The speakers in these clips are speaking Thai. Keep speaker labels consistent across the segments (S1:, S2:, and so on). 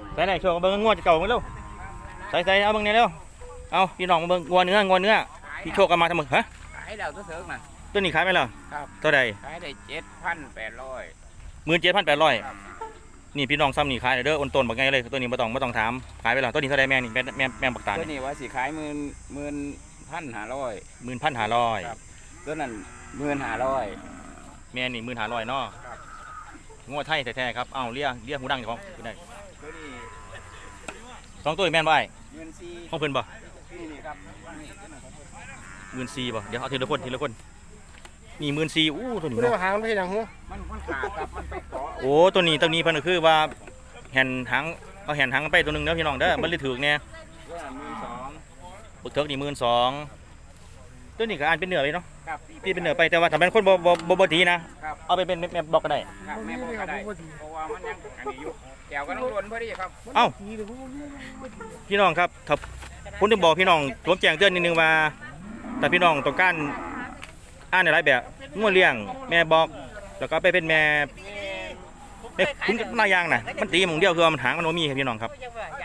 S1: ใส่ไหนโชว์เบิ้งงวดเก่ามาเร็วใส่เอาเบิ้งเนี่ยเร็วเอาพี่น้องมาเบิ้งงัวเนื้อพี่โชคกันมาทำไมฮะ
S2: ขายแล้วตัวเสริมน่ะ
S1: ตัวนี้ขายไปแล้ว
S2: ครับ
S1: เท่าใด
S2: ขายได้7,800
S1: 17,800นี่พี่น้องซ้ำนี่ขายเด้ออ้นต้นบอกไงเลยตัวนี้ไม่ต้องถามขายไปแล้วตัวนี้เท่าใดแม่นี่แม่ปักตา
S2: ตัวนี้ว่าสิขาย11,500
S1: 11,500
S2: ครับตัวนั้น1,500
S1: แม่นี่15,000เนาะงัวไทยแท้ๆครับเอาเลี้ยหูดังของได้
S2: ตัวนี้
S1: 2ตัวแม่นบ่
S2: 14,000
S1: ของเพิ่นบ่
S2: นี่ครับ
S1: 14,000บ่เดี๋ยวเอาทีละคนนี่14,000อู้ตัวนี้
S3: ไม่ได้
S1: เนาะ
S3: หางไม่ใช่หางหัว
S2: มันขาดครับมันไปเกาะ
S1: โอ้ตัวนี้เพิ่นก็คือว่าแห่นหางเอาแห่นหางไปตัวนึงเด้อพี่น้องเด้อมันเลยถูกแน่
S2: ตัวนั้น
S1: ปึกเถิกนี่12,000ตัวนี้ก็อ่านเป็นเนื้อเลยเนาะ
S2: ครับ
S1: พี่เป็นเนื้อไปแต่ว่าถ้าเป็นคนบ่ดีนะเอาไปเป็นแม่บอกก็ได้
S2: ครับแม่บอกก็ได้เพราะว่ามันยังอันนี้อยู่แก้วก็ต้องล้นพอดีครับ
S1: เอ้าพี่น้องครับถ้าผมจะบอกพี่น้องผมแจ้งเตือนนิดนึงว่าแต่พี่น้องต้องการอ่านในหลายแบบงัวเลี้ยงแม่บอกแล้วก็ไปเป็นแม่คุณนายางน่ะมันตีมึงเดียวคือว่ามันหางมันโนมีครับพี่น้องครับ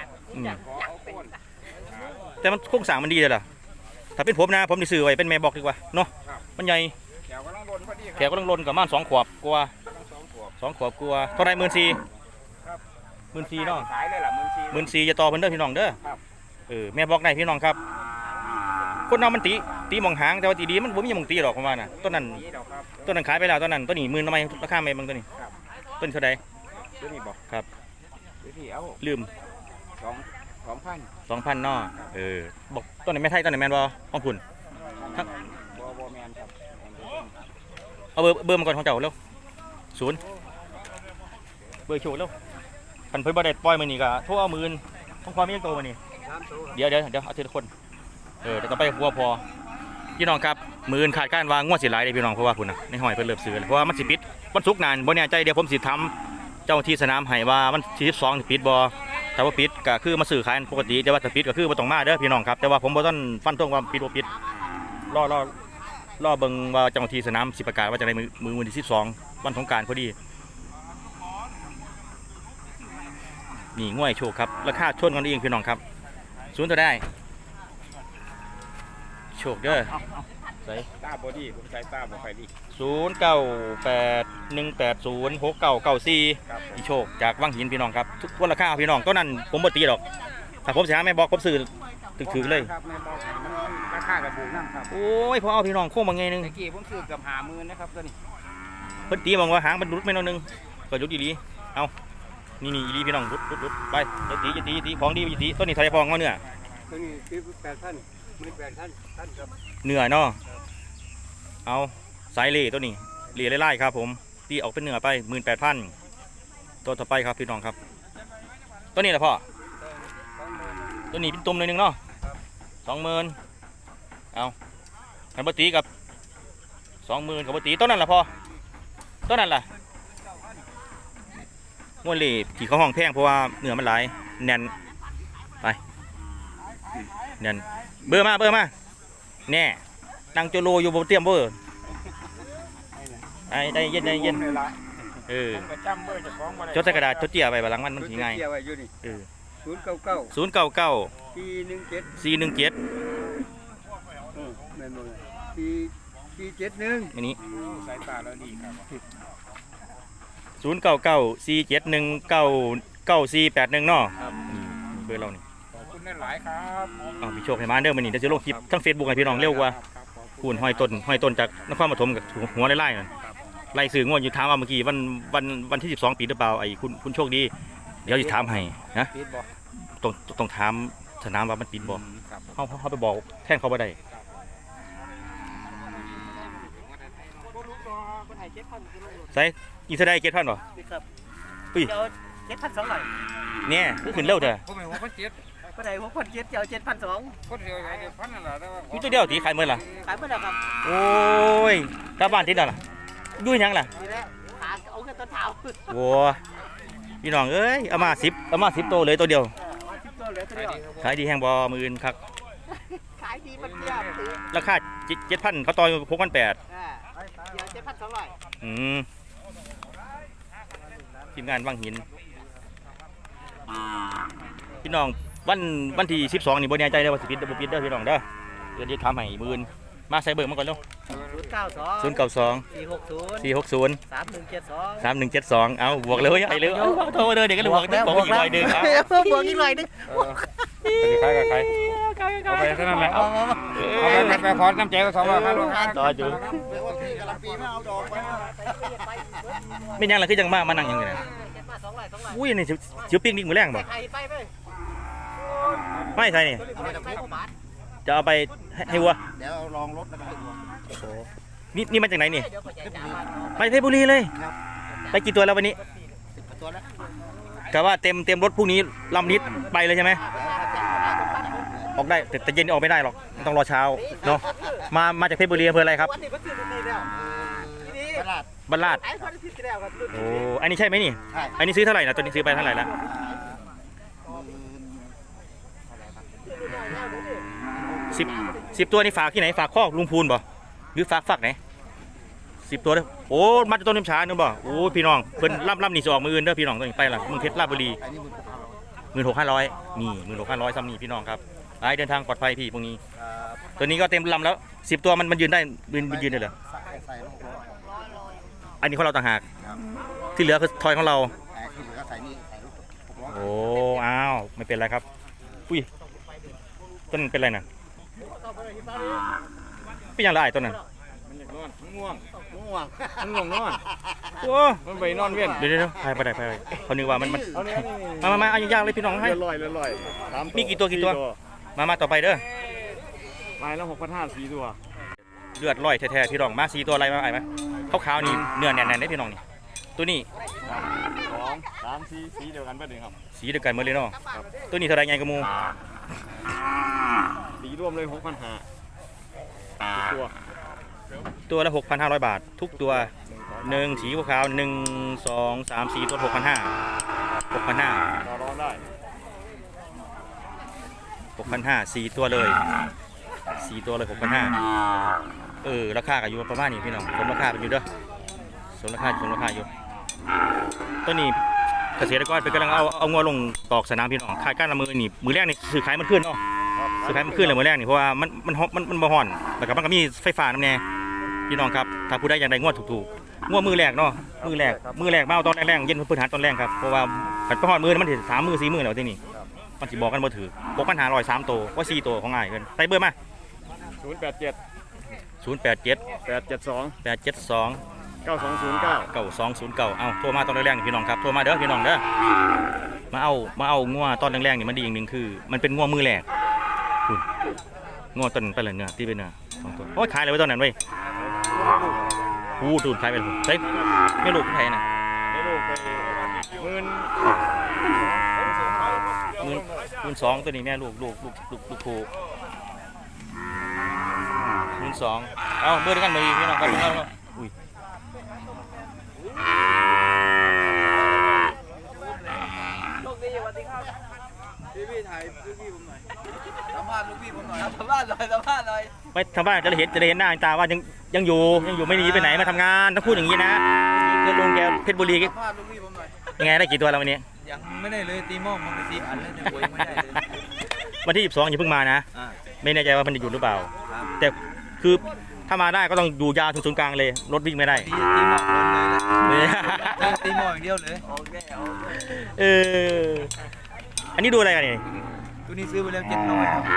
S1: แต่มันโครงสร้างมันดีเลยล่ะถ้าเป็นผมนะผมจะซื้อไว้เป็นแม่บอกดีกว่าเนาะมันใหญ่
S2: แก้วก็ต้องล้นพอดี
S1: แขกก็ต้องล้นกับม่าน2 ขวบกลัว2 ขวบกลัวเท่าไร14,000เนาะ
S2: ขายเลยล่ะ
S1: 14,000จะต่อเพิ่นเด้อพี่น้องเด้อแม่บอกได้พี่น้องครับคนเรามันตีมองหางแต่ว่าตีดีมันบ่มีมองตีหรอกประมาณน่ะต้นนั้นขายไปแล้วต้นนั้นต้นนี้10,000ทำไมราคาไม่บางตัวนี้ต้นเท่าใด
S2: ตัวนี้บอก
S1: ครับ
S2: ตัวนี้เอา
S1: ลืม
S2: 2,000
S1: เนาะบอกต้นไหนแม่ไทยต้นไหนแม่นบ่ของคุณ
S2: บ่แม่นครับ
S1: เอาเบอร์มาก่อนของเจ้าเร็ว0เบอร์โชว์เร็วคันเพิ่นบ่ได้ปล่อยมื้อนี้ก็โทรเอา10,000ของความมีโตมื้อนี้เดี๋ยวเอาทีละคนเดี๋ยวต้องไปหัวพอพี่น้องครับ10,000ขาดการวางงวดสิหลายเด้พี่น้องเพราะว่าพุ่นน่ะในห้อยเพิ่นเริ่มซื้อเพราะว่ามันสิปิดวันศุกร์นานบ่แน่ใจเดี๋ยวผมสิทำเจ้าที่สนามให้ว่ามันที่12สิปิดบ่ถ้าว่าปิดก็คือมาซื้อขายปกติแต่ว่าถ้าปิดก็คือบ่ต้องมาเด้อพี่น้องครับแต่ว่าผมบ่ทันฟันธงว่าปิดบ่ปิดรอเบิ่งว่าเจ้าที่สนามสิประกาศว่าจะได้มื้อวันที่12วันสงกรานต์พอดีนี่ง่วยโชคครับราคาชนกันเองพี่น้องครับ0ตัวได้โชคเด้อใส่
S2: ตาบอดี้ผมใช้ตาบอไฟดี
S1: 0981806994อีโชคจากวังหินพี่น้องครับทุกคนราคาพี่น้องตัวนั้นผมบ่ตีหรอกถ้าผมสิหาแม่บอกผมซื้อถึกเลย
S2: ครับแม่บอกมันราคากระถูกนั่นครับ
S1: โอ้ยพอเอาพี่น้องโค้งบางไงนึง
S2: เมื่อกี้ผมซื้อเกือบ50,000นะครับตัวนี้
S1: เพิ่นตีมองว่าหางมันรุดไม่น้อยนึงก็รุดดีๆเอานี่อีลีพี่น้องรุดไปจะตีของดีจะตีต้นนี้ทะเลฟองเอาเนื้อ
S3: ตัวนี้18,000 18,000ครับ
S1: เนื้อเนาะเอาสายเล่ตัวนี้เล่ไล่ครับผมตีออกเป็นเนื้อไป18,000ตัวต่อไปครับพี่น้องครับตัวนี้แหละพ่อตัวนี้เป็นตุ่มเลยนึงเนาะ20,000เอาคันบตีกับ20,000กับบตีต้นนั้นแหละพ่อต้นนั้นล่ะงวดเล่ที่เขาห้องแพงเพราะว่าเนื้อมันหลายแน่นไปแน่นเบอร์มาแน่นั่งโจโลอยู่บนเตียมเบอร์ได้เย็นจดใส่กระดาษจดเจียไปบางมันถึงง่าย099 417อันนี้
S2: สายตาแล้วดีครับ
S1: 099 471 9481เนาะเบอร์เรานี่
S2: ขอบคุณหลายครับ
S1: พี่โชคให้มาเด้อมื้อนี้เดี๋ยวจะลงคลิปทั้ง Facebook ให้พี่น้องเร็วกว่าคูณห้อยต้นจากนครปฐมกับหัวไล่ๆนั่นไล่สื่องวดอยู่ถามว่าเมื่อกี้วันที่12ปีหรือเปล่าไอ้คุณโชคดีเดี๋ยวจะถามให้นะต้องถามสนามว่ามันปิดบ่เขาไปบอกแท่งเขาบ่ได้ใส่อีเท่าใด7,000บ่
S3: ครับ
S1: อุ้ย
S3: เดี๋ยว7,200
S1: เนี่ยขึ้นเร็วเด้อ
S2: ผมเป็น6,700
S3: ก็ได้6,700เดี๋ยว7,200
S2: คนเดียว7,000นั่นแหละ
S1: มีตัวเดียวตีขายเมื่อล่ะ
S3: ขายเมื่อแล้วครับ
S1: โอ้ยกลับบ้านติดแล้วล่ะยุ่ยยังล่ะ
S3: นี่แหละหาเอาแค่ต้นเท้า
S1: โว้พี่น้องเอ้ยเอามา10ตัวเลยตัวเดียวขายดีแห้งบ่มื้ออื่นคัก
S3: ขายดีมันเทียบ
S1: ราคา7,000เขาต่อ6,800
S3: เดี๋ยว7,200
S1: ทีมงานวังหินพี่น้องวันที่12นี่บ่แน่ใจเด้อว่าสิปิดหรือบ่ปิดเด้อพี่น้องเด้อเดี๋ยวจะทำให้มื้ออื่นมาใส่เบิ่งมาก่อนเร็ว
S4: 092
S1: 092
S4: 460
S1: 460
S4: 3172
S1: เอาบวกเลยไอ้เลยเอาโทรเด้อเดี๋ยวก็บวกอีกหน่อยนึงครับ
S4: บวกอีกหน่อยนึง
S2: ใครกับใครเอาไปเท่านั้นแหละเอาไปขอน้ำใจก็200ครับลูกค้า
S1: ต่ออยู่ไม่ยังล่ะคือจังมานั่งยังไงนะอุ้ยนี่สิวปิ้งนิกมื้อแรงบ่ไม่ใช่นี่จะเอาไปให้วัว
S3: เดี๋ยวลองรถแล้วกัน
S1: นี่มาจากไหนนี่ไปเพชรบุรีเลยไปกี่ตัวแล้ววันนี้
S3: ตัวแล้ว
S1: กะว่าเต็มรถพรุ่งนี้ลำนิดไปเลยใช่ไหมออกได้แต่เย็นออกไม่ได้หรอกต้องรอเช้าเนาะมาจากเพชรบุรีอำเภออะไรครับ
S3: ตลาด
S1: บ้านลาดโอ้อันนี้ใช่ไหมนี่
S3: ใช่
S1: อันนี้ซื้อเท่าไหร่นะตัวนี้ซื้อไปเท่าไหร่ละ10ตัวนี่ฝากที่ไหนฝากคอกลุงพูนบ่หรือฝากไหน10ตัวเด้อโอ้มาจากต้นน้ำชาเนอะบ่โอ้พี่น้องเพิ่นล่ำนี่สิออกมืออื่นเด้อพี่น้องตัวนี้ไปล่ะเมืองเพชรลาดบุรี
S3: อันนี้มัน
S1: 16,500นี่16,500ซ้ำนี่พี่น้องครับไปเดินทางปลอดภัยพี่พวกนี้ตัวนี้ก็เต็มลำแล้ว10ตัวมันยืนได้ยืนได้เหรอ
S3: ใส่ลงตัว
S1: อันนี้ของเราต่างหากที่เหลือคือทอยของเรา
S3: แต่ที่เหลือใส่นี่ใส่ลูก600
S1: โอ้อ้าวไม่เป็นไรครับอุ้ยต้นเป็นไรน่ะเป็นอย่างไรต้นน่ะ
S2: มันอยากนอนง่วง
S3: ง่วง
S2: มันง่วงนอน
S1: โอ้
S2: มันไปนอนเวียน
S1: เดี๋ยวไปเขานึกว่ามัน
S2: เอาเนี้ยนี่
S1: มาเอายากๆเลยพี่น้องให้
S2: ลอย3
S1: มีกี่ตัวมาต่อไปเด้อ
S2: ไม้ละ6,500 4ตัว
S1: เลือดลอยแท้ๆพี่น้องมา4ตัวอะไรมาไอ้ไหมขาวๆนี่เนื้อแน่นๆได้พี่น้องนี่ตัวนี้
S2: 2 3 4สีเดียวกันเบิดเลยครับ
S1: สีเดียวกันหมดเลยเนาะตัวนี้เท่าไรไงกระมู
S2: สีรวมเลย6,500ตัว
S1: ตัวละ 6,500 บาท ทุกตัว1สีขาวๆ1 2 3 4ตัว6,500
S2: ต่อรองได้
S1: 6,500 4ตัวเลย4ตัวเลย 6,500ราคาก็อยู่ประมาณนี้พี่น้องสมราคาเป็นอยู่เด้อสมราคาอยู่ตัวนี้เกษตรกรเป็นกำลังเอางัวลงตอกสนามพี่น้องขายก้านละมือนี่มือแรกนี่ซื้อขายมันขึ้นเนาะซื้อขายมันขึ้นเลยมือแรกนี่เพราะว่ามันบ่ฮ้อนแล้วก็มันก็มีไฟฟ้าน้ำแน่พี่น้องครับถ้าผู้ใดอยากได้งัวถูกๆงัวมือแรกเนาะมือแรกมาเอาตอนแรกๆเย็นพื้นฐานตอนแรกครับเพราะว่าขัดไปฮ้อนมือมันถึง3 มือ 4 มือแล้วที่นี่มันสิบอกกันบ่ถือ6,500 3ตัวว่า4ตัวของง่ายเกินใส่เบอร์มา
S2: 087
S1: 087
S2: 872
S1: 872
S2: 9209
S1: 9209เอาโทรมาตอนแรกๆนี่พี่น้องครับโทรมาเด้อพี่น้องเด้อมาเอางัวตอนแรกๆนี่มันดีอย่างหนึงคือมันเป็นงัวมือแรกคุณงัวต้นไปเลยเนื้อที่เป็นเนื้อ2ตัวโอ้ยขายเลยไว้ตอนนั้นเว้ยดูดขายไปเลยเฮ้ยไม่ลูกใครนะ
S2: ได้ลูกไป
S1: 12,000ตัวนี้แม่ลูกคู่12,000เอาเบอร์เดียวกันมาอีกพี่น้องครับเอาอุ้ย
S3: พี่ถ่ายลูกพี่ผมหน่อยสัมภาษณ์ลูกพี่ผมหน่อย
S4: สัมภาษณ์หน่อย
S1: ไม่ทำบ้านจะได้เห็นหน้าตาว่ายังอยู่ไม่หนีไปไหนมาทำงานต้องพูดอย่างนี้นะนี่คือลุงแกเพชรบุรี
S3: สัมภาษณ์ลูกพี่ผมหน่อย
S1: ยังไงได้กี่ตัวแล้ววันนี้
S4: ยังไม่ได้เลยตีหม้อมันไป4 อันแล้วยังโวยไม่ได้เลย
S1: วันที่12อย่าเพิ่งมานะ ไม่แน่ใจว่ามันจะหยุดหรือเปล่า แต่คือถ้ามาได้ก็ต้องอยู่ยาวถึงศูนย์กลางเลยรถวิ่งไม่ได้
S4: ตีหม้อล้นเลยนะ
S1: เนี่ย
S4: ตีหม้ออย่างเดียวเลยโอเค
S1: อันนี้ดูอะไรกันนี่
S4: ตัวนี้ซื้อไปแล้ว700ครับ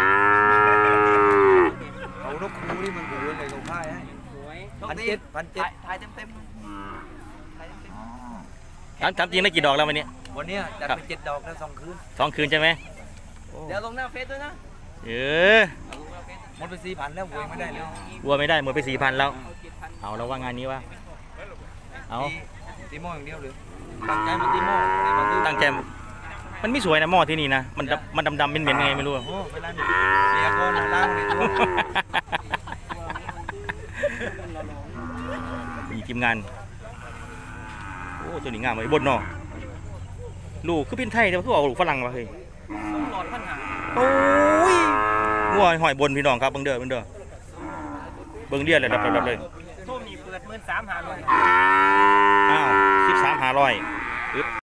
S4: เขานกคูนี่มันหูเลยเขาค่ายให้1,700ถ่ายเต็ม
S1: ถามจริงได้กี่ดอกแล้ววันนี้
S4: วันนี้จัดไป7 ดอกแล้ว2 คืน
S1: 2 คืนใช่ไหม
S4: เดี๋ยวลงหน้าเฟซด้วยนะ หมดไป4,000แล้วโวยไม่ได้เลย
S1: วัวไม่ได้หมดไป 4,000 แล้วเอาแล้วว่างานนี้วะเอา
S4: ตีหม้ออย่างเดียวเลยตั้งใจมาตีหม้อมาตี
S1: ตั้งใจมันไม่สวยนะหม้อที่นี่นะมันดำๆเหม็นๆไงไม่รู้
S4: โอ้เวลาเรียกก่อนล้างเลยตัว
S1: มีทีมงานโอ้ตัวนี้งามเลยบนเนาะลูกคือเป็นไทยแต่ว่าคือเอาลูกฝรั่งมาเฮ้ย
S4: หลอดปัญหา
S1: โอ้ยงัวหอยบนพี่น้องครับเบิ่งเด้อเบิ่งเดียเลยดับเลย
S4: ส้มนี่เปิด13,500
S1: อ้าว13,500